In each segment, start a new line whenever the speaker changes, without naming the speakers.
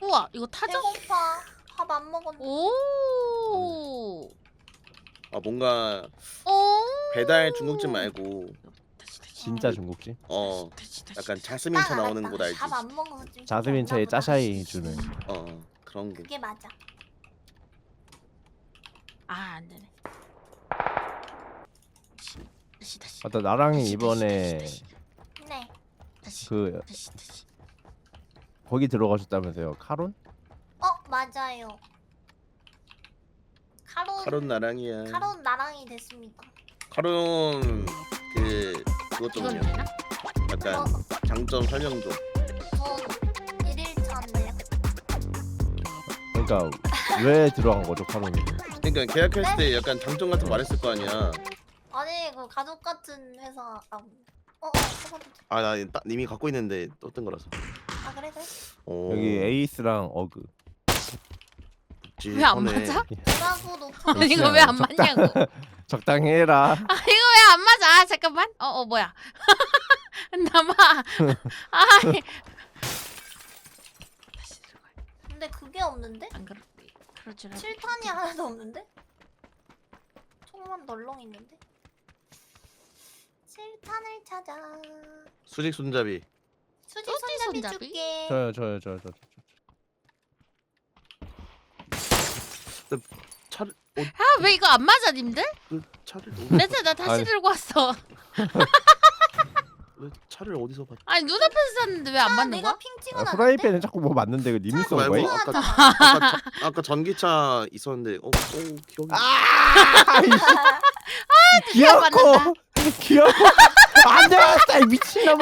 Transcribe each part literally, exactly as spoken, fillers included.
우와 이거 타죠?
배고파. 밥 안 먹었는데.
오.
아 뭔가
오.
배달 중국집 말고
다시 다시.
진짜 중국집.
어
다시 다시.
약간 자스민 차 나오는 곳 알지?
밥안 먹어서 좀.
자스민 차에
없나 보다.
짜샤이 주는.
어, 어 그런 게.
그게 맞아.
아 안되네. 다시 다시.
맞다 나랑이
다시,
이번에
다시,
네.
다시.
그
다시 다시.
거기 들어가셨다면서요 카론?
어 맞아요. 카론.
카론 나랑이야.
카론 나랑이 됐습니다.
카론 그 그것
이건
좀요.
되나?
약간
어,
장점 설명 좀.
저 일일차인데요.
그러니까 왜 들어간 거죠 카론이?
그러니까 계약했을 때 약간 장점 같은 거 말했을 거 아니야.
아니 그 가족 같은 회사. 아, 어, 어, 해봐도 돼.
아 나 이미 갖고 있는데 떴던 거라서.
아 그래 그래.
어,
여기 에이스랑 어그.
왜 안 맞아?
뭐라고 높아.
이거 왜 안 맞냐고.
적당히 해라.
아 이거 왜 안 맞아? 아, 잠깐만. 어 어 뭐야? 남아. 아. 다시 들어가.
근데 그게 없는데?
안 그럴 그럴 줄 알고.
칠탄이 하나도 없는데? 총만 널렁 있는데? 칠탄을 찾아.
수직 손잡이.
수직
수직
손잡이
손잡이?
줄게.
저요 저요 저요 저.
차를 어,
아 왜 이거 안 맞아 님들?
그 차를 어디-
레트 나 다시
아니.
들고 왔어.
왜 차를 어디서 봤?
아니 눈앞에서 샀는데 왜 안
아,
맞는
내가
거야?
핑
아,
찍어놨는데?
후라이팬은 자꾸 뭐 맞는데 그 님이 쏜
말고
거예요?
아까
하잖아.
아까, 자- 아까 전기차 있었는데 어, 어 기억이.
아!
드디어
귀엽고
맞는다.
귀엽고 안 되겠다 이 미친놈아.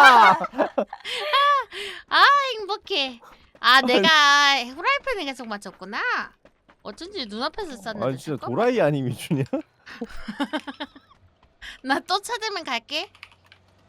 아 행복해. 아 내가 후라이팬에 계속 맞췄구나. 어쩐지 눈앞에서 쐈는데.
아니 진짜 도라이 아니면 주냐?
나 또 찾으면 갈게.